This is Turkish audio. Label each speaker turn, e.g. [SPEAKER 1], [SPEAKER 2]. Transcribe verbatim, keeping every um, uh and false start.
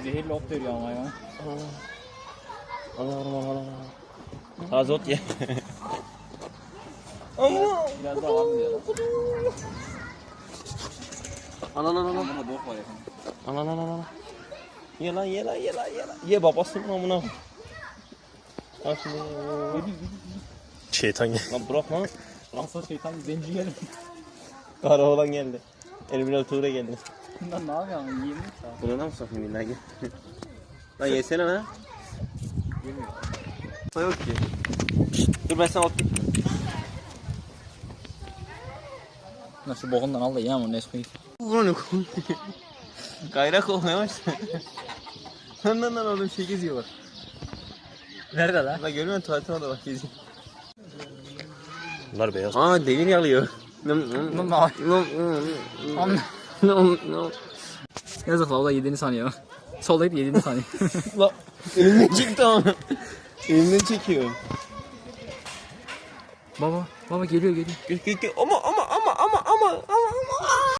[SPEAKER 1] Zehirli ot veriyor ama ya.
[SPEAKER 2] Allah Allah Allah Allah. Taze ot ye. Ama.
[SPEAKER 1] Biraz daha var mı diyor lan?
[SPEAKER 2] Ana ana ana.
[SPEAKER 1] Buna bok var yakın.
[SPEAKER 2] Ana ana ana. Ye lan ye lan ye lan ye lan. Ye babasının amına. Bak şimdi.
[SPEAKER 3] Şeytan gel.
[SPEAKER 2] Lan bırak lan.
[SPEAKER 1] Asıl şeytan zenci geldi.
[SPEAKER 2] Kara oğlan geldi. Eliminal Tuğra geldi.
[SPEAKER 1] Bundan ne yapıyorsun? Yiyeyim mi sen?
[SPEAKER 2] Bunu da mı sokayım billahi gel. Lan yesene lan.
[SPEAKER 1] Yemiyor.
[SPEAKER 2] Yok ki. Dur ben sana ot getireyim.
[SPEAKER 1] Lan şu bokundan al da ye ama Nesquik.
[SPEAKER 2] Bunu koy. Gayrak olmaya başladı. Lan lan lan oğlum şey geziyor bak.
[SPEAKER 1] Nerede lan?
[SPEAKER 2] Lan görmüyor musun tuvaletine orada bak geziyor.
[SPEAKER 3] Bunlar beyaz.
[SPEAKER 2] Aa demir yalıyor.
[SPEAKER 1] Lan ne
[SPEAKER 2] Lan
[SPEAKER 1] Yazık la o da yediğini sanıyor. Soldaydı yediğini sanıyor.
[SPEAKER 2] Lan elimden çıktı ama. Elimden çekiyor.
[SPEAKER 1] Baba, baba geliyor geliyor.
[SPEAKER 2] Gel gel gel ama ama ama ama ama ama ama.